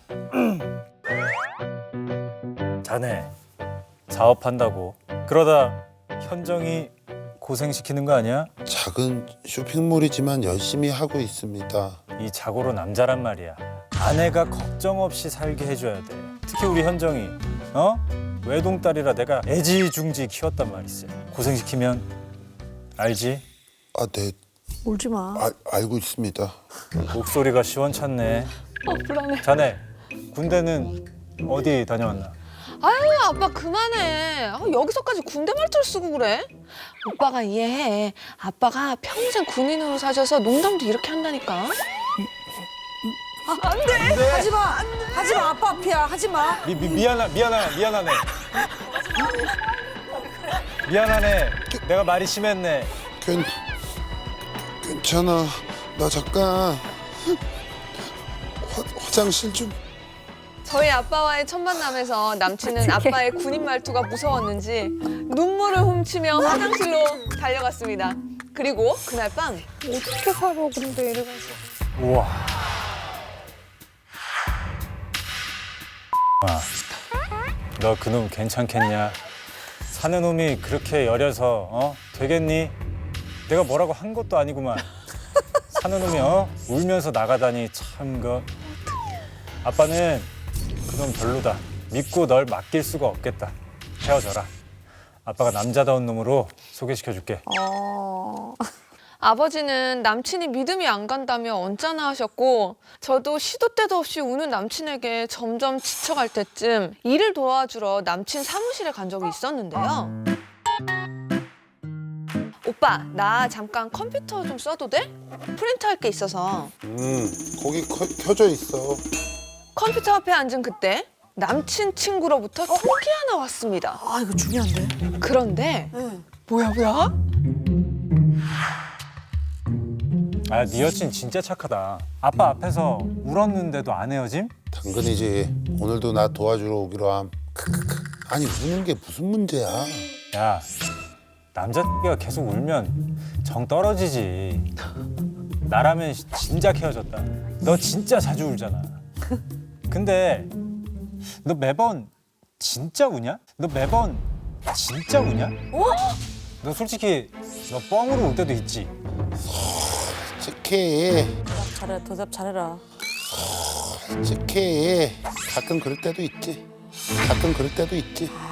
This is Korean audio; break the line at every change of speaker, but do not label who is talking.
자네 사업한다고 그러다 현정이 고생시키는 거 아니야?
작은 쇼핑몰이지만 열심히 하고 있습니다.
이 자고로 남자란 말이야. 아내가 걱정 없이 살게 해줘야 돼. 특히 우리 현정이 외동딸이라 내가 애지중지 키웠단 말이지. 고생시키면 알지?
아, 네,
울지 마.
알고 있습니다.
목소리가 시원찮네.
불안해.
자네 군대는 어디 다녀왔나?
아유, 아빠 그만해. 여기서까지 군대 말투를 쓰고 그래? 오빠가 이해해. 아빠가 평생 군인으로 사셔서 농담도 이렇게 한다니까.
안 돼. 하지 마. 하지 마. 아빠 앞이야. 하지 마.
미안하네. 미안하네. 내가 말이 심했네.
괜찮아. 나 잠깐 화장실 좀.
저희 아빠와의 첫 만남에서 남친은 아빠의 군인 말투가 무서웠는지 눈물을 훔치며 화장실로 달려갔습니다. 그리고 그날 밤
어떻게 살아 근데 이래가지고.
우와. 너 그놈 괜찮겠냐? 사는 놈이 그렇게 여려서 되겠니? 내가 뭐라고 한 것도 아니구만. 사는 놈이 울면서 나가다니 참 그. 아빠는 그놈 별로다. 믿고 널 맡길 수가 없겠다. 헤어져라. 아빠가 남자다운 놈으로 소개시켜줄게.
아버지는 남친이 믿음이 안 간다며 언짢아 하셨고 저도 시도 때도 없이 우는 남친에게 점점 지쳐갈 때쯤 일을 도와주러 남친 사무실에 간 적이 있었는데요. 오빠, 나 잠깐 컴퓨터 좀 써도 돼? 프린트할 게 있어서.
거기 켜져 있어.
컴퓨터 앞에 앉은 그때 남친 친구로부터 톡이 하나 왔습니다.
아 이거 중요한데.
그런데
응.
뭐야?
아, 네 여친 진짜 착하다. 아빠 앞에서 울었는데도 안 헤어짐?
당근이지. 오늘도 나 도와주러 오기로 함. 크크크. 아니 우는 게 무슨 문제야?
야, 남자가 계속 울면 정 떨어지지. 나라면 진작 헤어졌다. 너 진짜 자주 울잖아. 근데 너 매번 진짜 우냐? 너 솔직히 너 뻥으로 울 때도 있지?
착해.
잘해. 대답 잘해라.
착해. 가끔 그럴 때도 있지.